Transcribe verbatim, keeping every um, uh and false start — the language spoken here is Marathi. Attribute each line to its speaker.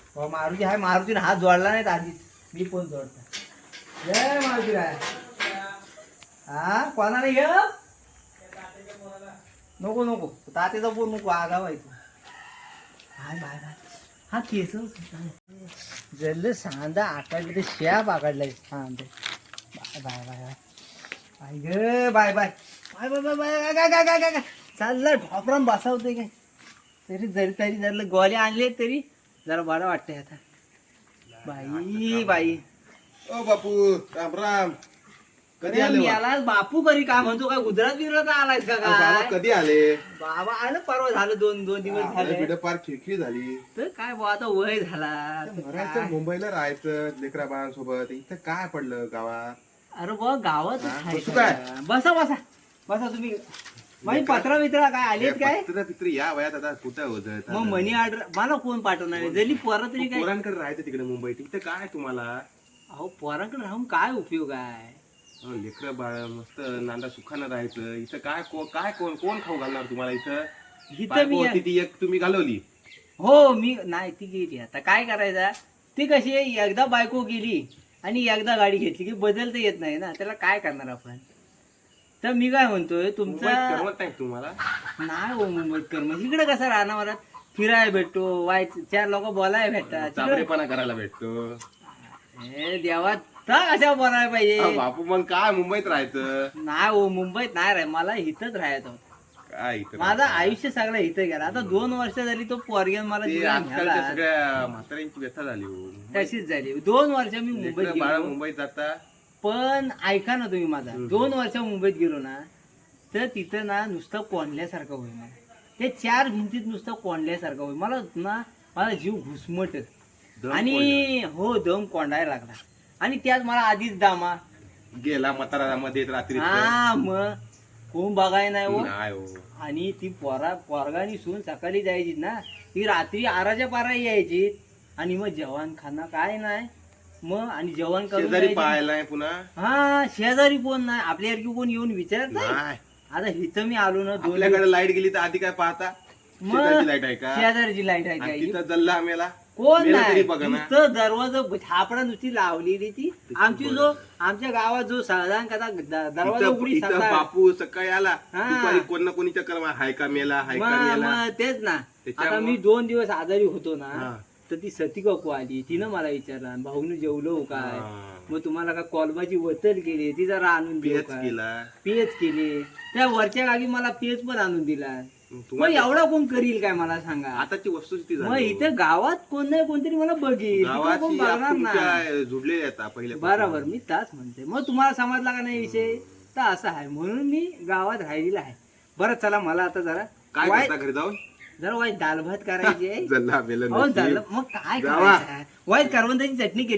Speaker 1: हो मारुती आहे, मारुतीने हात जोडला नाहीत आधीच, मी पण जोडता. जय मारुती राय. हा कोणाला घे नको नको तात्याचा बोल नको आगाव आहे तू. हाय बाय बाय हा केस जल्ल सांदा आकाडले ते शेप आकाडलाय सांदे. Bye bye bye bye bye ग bye bye bye bye bye bye काय काय काय काय काय चाललं ढोपराम बसावतोय काय तरी जरी तरी जर गोळे आणले तरी जरा बरं वाटतंय आता. बाई बाई
Speaker 2: ओ बापू राम राम. कधी आले बा?
Speaker 1: याला बापू करी काय म्हणतो काय गुजरात बिजरात आलायस का
Speaker 2: बाबा
Speaker 1: काय?
Speaker 2: कधी आले?
Speaker 1: बाबा आलं परवा झालं दोन दोन दिवस झाले.
Speaker 2: बिड पार खिळखिळ झाली.
Speaker 1: तर काय बुवा आता वय झाला तर
Speaker 2: मरायचं
Speaker 1: काय?
Speaker 2: मुंबईला राहायचं लेकरा बाळांसोबत इथं काय पडलं गावात?
Speaker 1: अरे बुवा गावात
Speaker 2: हा, बसू काय?
Speaker 1: बसा बसा बसा तुम्ही. माझी पत्रा बित्रा काय आलीत काय?
Speaker 2: पत्र पित्र या वयात आता कुठं होत?
Speaker 1: मग मनी ऑर्डर मला कोण पाठवणार आहे? जरी पोरं तरी काय?
Speaker 2: पोरांकडे राहायचं तिकडे मुंबईत इथं काय तुम्हाला?
Speaker 1: अहो पोरांकडे राहून काय उपयोग आहे?
Speaker 2: लेकर बाळ मस्त नांदा सुखानं राहायचं इथं काय को- काय कोण कोण खाऊ घालणार तुम्हाला इथं?
Speaker 1: इथं
Speaker 2: बायको
Speaker 1: मी
Speaker 2: होती ती एक तुम्ही घालवली.
Speaker 1: हो मी नाही ती गेली आता काय करायचं. ती कशी आहे, एकदा बायको गेली आणि एकदा गाडी घेतली की बदलता येत नाही ना, त्याला काय करणार आपण. तर मी काय म्हणतोय
Speaker 2: मुंबईत
Speaker 1: तुमचा
Speaker 2: करमत नाही तुम्हाला?
Speaker 1: नाही हो मुंबईत कर मग इकडे कसं राहणार फिरायला भेटतो वाईट चार लोक बोलायला भेटतात तिकडे-
Speaker 2: चाबरेपणा करायला भेटतो.
Speaker 1: हे देवा तर कशा बोलायला
Speaker 2: अहो,
Speaker 1: पाहिजे.
Speaker 2: बापू मग काय मुंबईत राहायचं?
Speaker 1: नाही हो मुंबईत नाही राह मला इथंच राहायचं होतं.
Speaker 2: काय इथं
Speaker 1: माझं
Speaker 2: राहायचं?
Speaker 1: आयुष्य सगळं इथं गेलं. आता दोन वर्ष झाली तो पोरग्यान मला
Speaker 2: ते
Speaker 1: जीवन
Speaker 2: आजकालच्या
Speaker 1: घ्यायला.
Speaker 2: सगळ्या म्हाताऱ्यांची व्यथा झाली हो.
Speaker 1: तशीच झाली दोन वर्ष मी मुंबईत
Speaker 2: लेकरं बाळं
Speaker 1: गेलो.
Speaker 2: मुंबईत जाता.
Speaker 1: पण ऐका ना तुम्ही माझा
Speaker 2: हम्म.
Speaker 1: दोन वर्ष मुंबईत गेलो ना तर तिथं ना नुसतं कोंडल्यासारखं होईल मला. ते चार भिंतीत नुसतं कोंडल्यासारखं होईल मला ना. माझा जीव घुसमट
Speaker 2: दम
Speaker 1: आणि हो दम कोंडायला लागला आणि त्यात मला आधीच दामा
Speaker 2: गेला म्हातारामध्ये रात्री
Speaker 1: हा मग कोण बघाय नाही हो.
Speaker 2: नाही हो.
Speaker 1: आणि ती पोरा पोरगानी सून सकाळी जायची ना ती रात्री आराच्या पारा यायची आणि मग जेवण खाणं काय नाही मग आणि जेवण करून
Speaker 2: शेजारी
Speaker 1: जायची.
Speaker 2: पाहायला पुन्हा
Speaker 1: हा शेजारी कोण नाही आपल्यासारखी कोण येऊन विचारत नाही.
Speaker 2: नाही.
Speaker 1: आता इथं मी आलो ना दोन
Speaker 2: आपल्याकडे लाईट गेली तर आधी काय पाहता?
Speaker 1: मग
Speaker 2: शेजारची लाईट आहे का?
Speaker 1: शेजारची लाईट आहे
Speaker 2: आणि
Speaker 1: काय
Speaker 2: तिथं जल्ला मेला
Speaker 1: कोण
Speaker 2: मेला
Speaker 1: नाही
Speaker 2: तरी बघा ना.
Speaker 1: नुसतं दरवाजा थापडा नुसती लावलेली ती आमची जो आमच्या गावात जो साधारण कदा द- दरवाजा
Speaker 2: इथं
Speaker 1: उघडी
Speaker 2: इथं
Speaker 1: सकाळ
Speaker 2: बापू सकाळी आला
Speaker 1: हा.
Speaker 2: दुपारी कोण ना कोणी चक्कर मार, हाय का मेला हाय का
Speaker 1: मग
Speaker 2: मेला.
Speaker 1: मग तेच ना.
Speaker 2: त्याच्यामुळं-
Speaker 1: आता मी दोन दिवस आजारी होतो ना
Speaker 2: हा.
Speaker 1: तर ती सती काकू आली तिनं मला विचारला भाऊन जेवलो काय
Speaker 2: हा.
Speaker 1: मग तुम्हाला का कॉलबाची वतल केली ती जरा आणून देऊ
Speaker 2: पेच
Speaker 1: काय
Speaker 2: केला.
Speaker 1: पेच केली त्या वरच्या गावी मला पेच पण आणून दिला.
Speaker 2: मग
Speaker 1: मग
Speaker 2: तुम्हाला
Speaker 1: एवढा कोण करील काय मला सांगा.
Speaker 2: आताची वस्तुस्थिती
Speaker 1: मग
Speaker 2: झाली हो.
Speaker 1: इथे गावात कोण नाही कोणतरी मला बघेल तिकडं कोण
Speaker 2: गावाची
Speaker 1: बघणार नाही.
Speaker 2: तुमच्या जुडले आता पहिले
Speaker 1: बरोबर मी ताच म्हणते. मग तुम्हाला समजला का नाही विषय तर असं आहे म्हणून मी गावात राहिलेला आहे. बरं चला मला आता जरा
Speaker 2: काय
Speaker 1: वाईट
Speaker 2: करता घरी जाऊन
Speaker 1: जरा वाईट दाल भात करायची आहे.
Speaker 2: जल्ला मेलं
Speaker 1: हो
Speaker 2: नशीब.
Speaker 1: झालं मग काय
Speaker 2: जावा.
Speaker 1: करायचं वाईट करवंदाची चटणी केली